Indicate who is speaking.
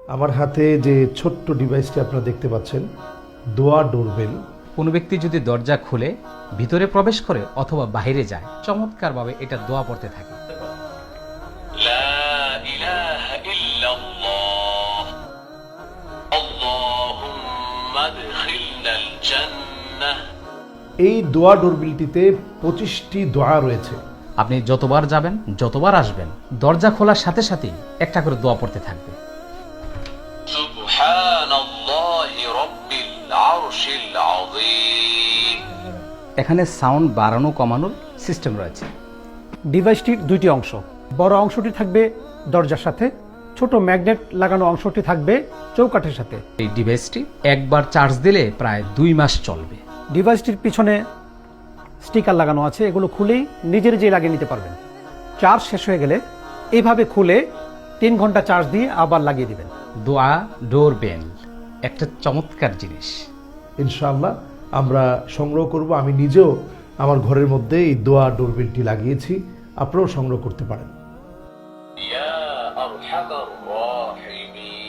Speaker 1: আমার হাতে যে ছোট্ট ডিভাইসটি আপনারা দেখতে পাচ্ছেন, দোয়া ডোরবেল।
Speaker 2: কোনো ব্যক্তি যদি দরজা খুলে ভিতরে প্রবেশ করে অথবা বাইরে যায়, চমৎকারভাবে এটা দোয়া পড়তে থাকে।
Speaker 3: লা ইলাহা ইল্লাল্লাহ আল্লাহুম্মা আদখিলনাল জান্নাহ।
Speaker 1: এই দোয়া ডোরবেলটিতে 25টি দোয়া রয়েছে।
Speaker 2: আপনি যতবার যাবেন, যতবার আসবেন, দরজা খোলার সাথে সাথেই একটা করে দোয়া পড়তে থাকবে।
Speaker 3: সুবহানাল্লাহি রাব্বিল আরশিল আযীম।
Speaker 2: এখানে সাউন্ড বাড়ানো কমানোর সিস্টেম রয়েছে।
Speaker 4: ডিভাইসটির দুইটি অংশ, বড় অংশটি থাকবে দরজার সাথে, ছোট ম্যাগনেট লাগানো অংশটি থাকবে চৌকাঠের সাথে।
Speaker 2: এই ডিভাইসটি একবার চার্জ দিলে প্রায় 2 মাস চলবে।
Speaker 4: ডিভাইসটির পিছনে স্টিকার লাগানো আছে, এগুলো খুলেই নিজের যে লাগিয়ে নিতে পারবেন। চার্জ শেষ হয়ে গেলে এইভাবে খুলে 3 ঘন্টা চার্জ দিয়ে আবার লাগিয়ে দিবেন।
Speaker 2: দোয়া ডোরবেল একটা চমৎকার জিনিস।
Speaker 1: ইনশাআল্লাহ আমরা সংগ্রহ করব। আমি নিজেও আমার ঘরের মধ্যে এই দোয়া ডোরবেলটি লাগিয়েছি, আপনারাও সংগ্রহ করতে পারেন।
Speaker 3: ইয়া আরহামার রাহিমিন।